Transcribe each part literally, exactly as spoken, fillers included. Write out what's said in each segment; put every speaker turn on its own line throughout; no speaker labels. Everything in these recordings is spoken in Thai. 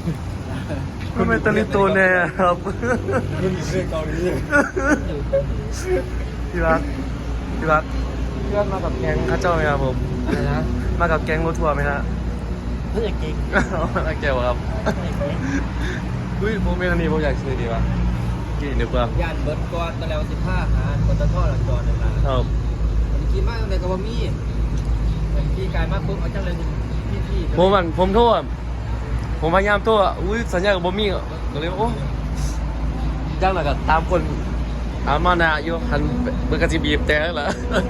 มันเป็นตะลิโตแน่ครับ
มันอยู่ในเกาหลี
พี่รักพี่รักพี่รักมากับแก๊งข้าเจ้าไหมครับผม
อะไรนะ
มากับแก๊งรถทัวร์ไหมฮะ
ถ้าอยากกิน
มาแก้วครับอุ้ยผมเมนอันนี้ผมอยากซื้อดีป่ะกี่นึกว่า
ย่านเบิร์ดก่อนตะแล้วสิบห้าหาคนตะท่อหลังจอนั่นล่ะ
ครับ
ผมคิดมากเลยกับว่ามีผมขี่กายมากปุ๊บเอาจังเลยพี่พี่
ผมมันผมโทษผมพยายามโทษอุ้ยสัญญากับบอมี่ก็เลยโอ้จังหนักกับตามคนตามมานาอยู่หันเบอร์กระจีบีบแต่แล้วเหรอ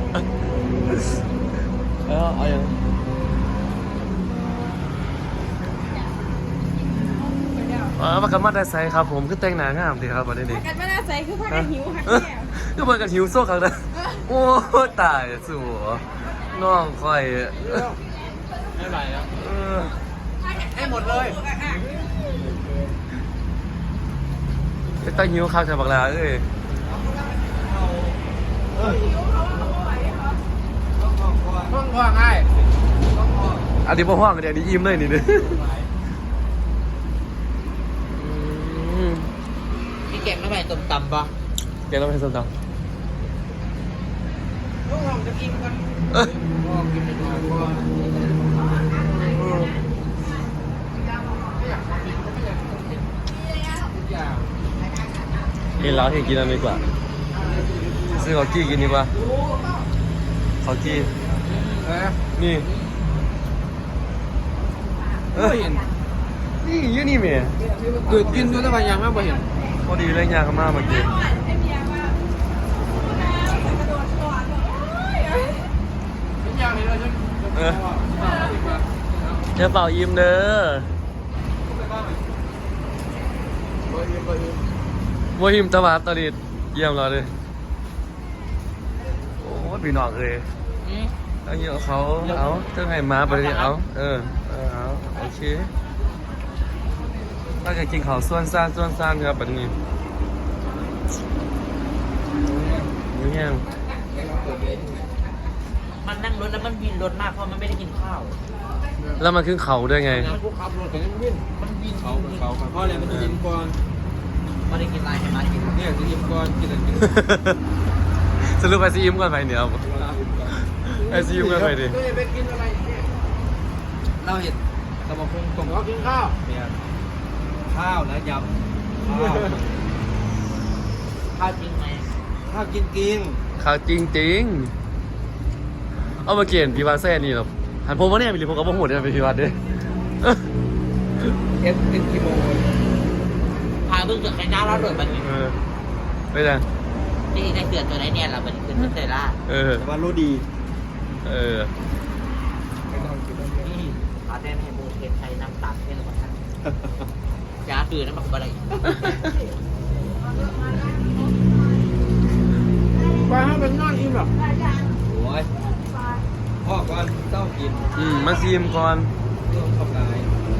เออเอาอย่างเออประกันมาได้ใส่ครับผมคือแต่งหน้างามดีครับวันนี้นี่
กันไม่น่าใส่คือพักกันหิวหักแก้ว
ก็เปิดกับหิวโซ่ครั้งนั้นโอ้ตายสัวน้องคอย
ไม่ไหวแล้ว
เออ
ให้หมดเลย
ไปตั้งหิวข้าวจากบักลาเอ้ย
ห้องว่างง่าย
อันนี้พ่อห้องกันเดี๋ยวนี้ยิ้มเลยนี่เด้อ
มีแกงน้ำใหม่ต้มตำปะ
เดี๋ยวเราไปส้มตำ
ห้องห้องจะกินกัน
เอ้ย
ห้องกินไปก่อนก่อนไม่อยากกินก็ไม่อยากกินทุกอย่าง
กินแล้วเห็นกินอันนี้ดีกว่าซื้อข้าวกี้กินดีกว่าข้าวกี้
เออ
นี่เอ้ยนี่อยี่นี่เมีย
ดูดกินด้วยแต่ว่ายังไม่เห็น
พอดีเลยยาขม่ามากิน
ไอ้เมียว่ากระโดดก่อนเอ้ย
เป็นยังไงเลยฉัน
เออจะเป่ายิ้มเด้อบัวหิมตะวันตะลิดเยี่ยมเราเลยโอ้ยพี่น้องเลยเอาเยอะเขาเอาเจ้าไงมาไปเลยเอาเออเออเอาโอเคถ้าจะกินเขาวส่วนซ่านส่วนซ่านครับแบบนี้นี่แห้ง
มันนั่งรถแล้วมันวินรถมากเพราะมันไม่ได้กินข้าว
แล้วมันขึ้นเขาด้วยไง
พวกขับรถกันยังวิ่งมันวิ่งเขาเขาเพราะอะไรมันจะยิ้มก่อน
ไม่ได้กินอะไรให้มากิน
เนี่ยจะยิ้มก่อนกินอะไรกิน
สรุปไปซีอิมก่อนไปเดี๋ยวไอซีอิมก่อนไปดิ
ไปกินอะไรเนี่ยเราเห็นตะบะพงตรงเขากินข้าวเนี่ยข้าวและยำข้าว
ข้าวจริงไหม
ข้าวกินกิน
ข่าวจริงจริงๆเอามาเกียนพี่วาแซ่นี่หรอหันผมว่าเนี่ยมีหรือผมก็บ่หูเนี่ยเป็นพี่วาด้วย
เอสเอสกิโม
พาเพิ่งเกิดใครหน้าเราโดดมัน
เออไม่ได้
ที่ได้เกิดตัวไหนเนี่ยเราเป็นขึ้นเตล่า
เออ
แต่ว่ารู้ดี
เออ
นี่พาแน่ให้โบเทนไทยน้ำตาลให้เราท่านจ้าคือน้ำแบบอะไร
ไปให้เป็นนอนอิ่มหรอโอ้ยพ่อก่อนเจ้ากิน
อืมมาซีมก่อน
เรื่องขับลาย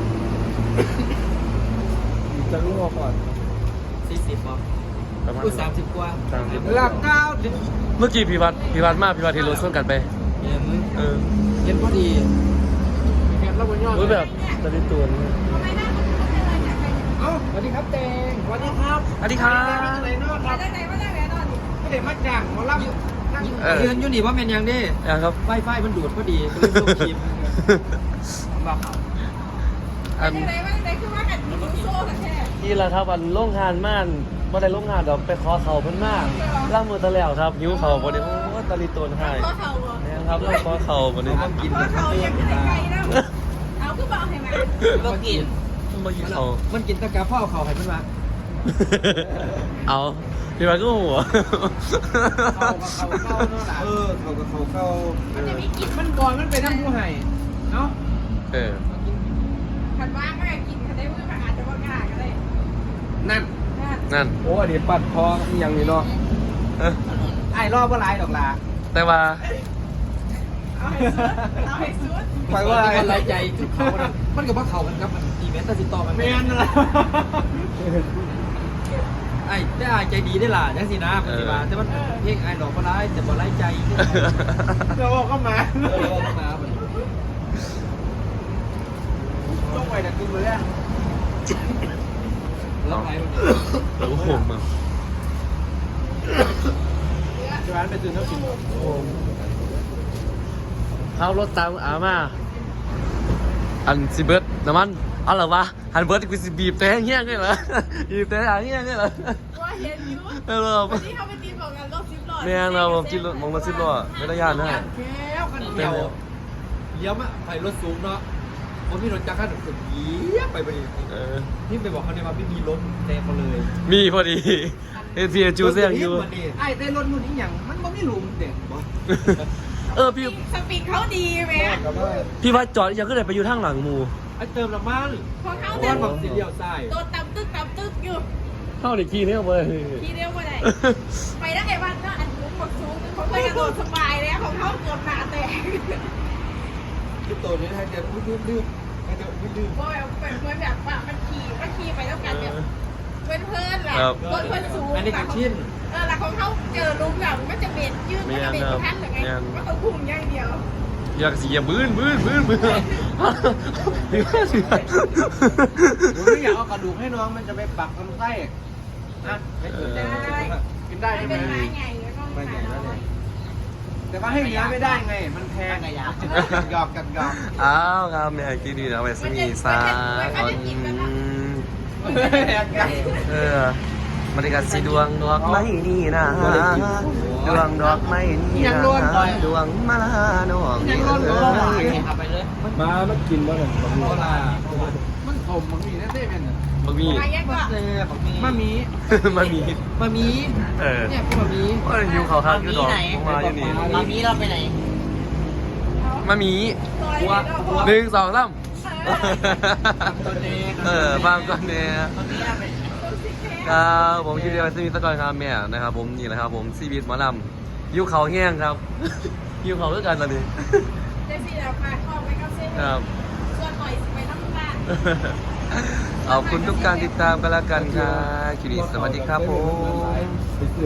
จะรู้ว่าก่อน
สี่สิบป่ะ
ประมาณ
อุ้ยสามสิบกว่า
สามสิบ
หลักเก้า
เมื่อกี้พี่วัดพี่วัดมากพี่วัดที่รถส่วนกันไป
เย็น
เออ
เย็นพอดีเย็นแล้วบนยอด
รู้แบบตะลิตัวนี่
เอ้าสวัสดีครับเตงสวัสดีครับ
สวัสดีครับ
ไหนนอนครับ
มาจากไหนมาจากไหนนอนดิ
ไม่ได้มาจากหมอลำนั่ง
เออ
ยืนอยู่นี่ว่าเป็นยังดิ
ยังครับ
ไฟไฟมันดูดพอดีก็เลยลงคลิปบอกเขา
อั
มาน จากไหนมาจากไหนคือว่ากันหิวโซ่กันแท้
นี่แหละครับวันโรงงานม่านบ่ได้โรงงานดอกไปขอเขาเพิ่นมากล่างมือตะแล้วครับหิวเขาบ่ได้โอ้ตะลิตัวให้
ข้อเข่าเหรอ
แม่นครับเราขอเขาบ่ได้
ต้องกิน
ข้อ
แต่
เข่า
เขา
ยังไกลๆนะเอาคือบอกให้มา
ก็กิน
บ่กินเขา
มันกินตะกาพ่อเขาให้มันมา
เอาพี่วัดก็หัว
เขาเขาเข้าเนาะเออเขากับเขาเข้า
มันจะมีกิน
มันก่อนมันไปทั้งผู้ให้เนาะ
เออ
ขันว่างก็กินขันได้มืออาจจะว่ากล้าก็ได้
นั่น
นั่น
โอ้อันนี้ปัดทองอีหยังนี่เนาะ
เออ
ไอ้รอบว่าไรดอกลา
แต่ว่า
เอาให้สุดเอาให้สุด
ไปว่าอะไรใจจุดเขานะมันกับว่าเขากันครับมันอีเวนต์ตัดสินต่อกันแมนอะไรไอ้ได้อายใจดีได้ล่ะจังสินะปฏิบัติแต่มันเพลงไอ้ดอกก็ร้ายแต่บ่ร้ายใจเราบอกก็มาเราบอกก็มาต้องไปแต่กินมื้อแรกแล้วไหนมัน
โอ้โหมึง
ร้านไปซื้อน้ำกิน
เข้ารถตามอามาอันซิเบิร์ดน้ำมันเอาเหรอวะฮันเบิร์ดกูสิบีบแต่เงี้ยเลยเหรอบีบแต่หางเงี้ยเลยเหรอ
ว่าเห็นอยู่
เออ
วันนี้เขาไปตีบอกกันรถซิปหลอด
แม่งเราผมกินรถมองรถซิบล้อไม่ได้ยานนะ
แก้วกันเดียวเลี้ยวมาไปรถสูงเนาะผมมีรถจักรขันสุดเยี่ยไปไปดิ
เออ
พี่ไปบอกเขาเนี่ยว่าพี่มีรถแดงเขาเลย
มีพอดีเอพีจูเซียงอยู่
ไอ้เต้รถนู่นนี่อย่างมันไม่รู้มันเด็กบ่
เออพี่
สปีดเขาดีไหม
พี่ว่าจอดยังก็เลยไปอยู่ทางหลังหมู
ไอ้เติมน้ำมัน
พอเขา
ก้
เดิ
อน
น
แบบสีเดียวใส่
โดนตำตึกตำตึกอยู่
เข้าในขี้เนี่ยเว้ย
ทีเดียวมาได้ไปได้ไงบ้างก็อันนู้นหมดสูงเขาไปกระโดดสบายแล้วของเขาเกือบหนาแตก
คือตัวนี้ให้เดี๋ยวดื้อดื้อให้เดี๋ยวดื้อ
ว่าแบบเป็นเหมือนแบบว่ามันขี่มันขี่ไปแล้วกันแบบเพื่อนเพื่อนแหละรถเพื่อนสูง
อันนี้คือชิ้น
เออแล้วของเขาเจอลุงแบบมันจะเบ็ดยืดมันจะเบ็ดท่านหรือไงก็ต้องพุ่งอย่างเดียว
อยากเสียบื้นบื้นบื้นบื้น
ผมไม่อยากเอากระดูกให้น้องมันจะไปปักลำไส้นะไม่เกิดกินได้ใช่ไหม
เป็นไม้ใหญ่แล้วก็
ไม่ใหญ่แล้วเนี่ยแต่ว่าให้เลี้ยงไม่ได้ไง มันแพงหยอกกันหยอก
อ้าวครับแม่กินดีนะไปสมีซาตอนเออมันก็สีดวงดอกไม้นี่นะดวงดอกไม้นี่นะดวงมาลาน้อง
ขับไปเลย
มามันกินบ้างเหรอโบราณมันขมมันมีแน่ๆเป็นอ่ะ
บะหมี่
มาแยกว่า
มามี
บะหมี่
มามี
เออ
เนี่ยมามี
ว่าหิวเขาข้างอยู่ดอกมาอยู่นี่
ตอนนี้เราไปไหน
มาหมี
ซอยแล้วก็
หนึ่งสองสาม
ตัวนี้
เออฟังก่อนเนี่ย
ตอนนี้เราไปไหน
ครับผมคิดเดียวซีมีสกอยครับแม่นะครับผมนี่แหละครับผมซีบีทหมอลำยิ้วเขาแห้งครับ ยิ้วเขาด้วยกันตอนนี้
เจสี่แล้วมาเข้าไปก็เส้น
ครับ
ส่วนหน่อยไปน้ำตาล
ขอบคุณทุกการติดตามกันแล้วกันครับคิริสวัสดีครับผม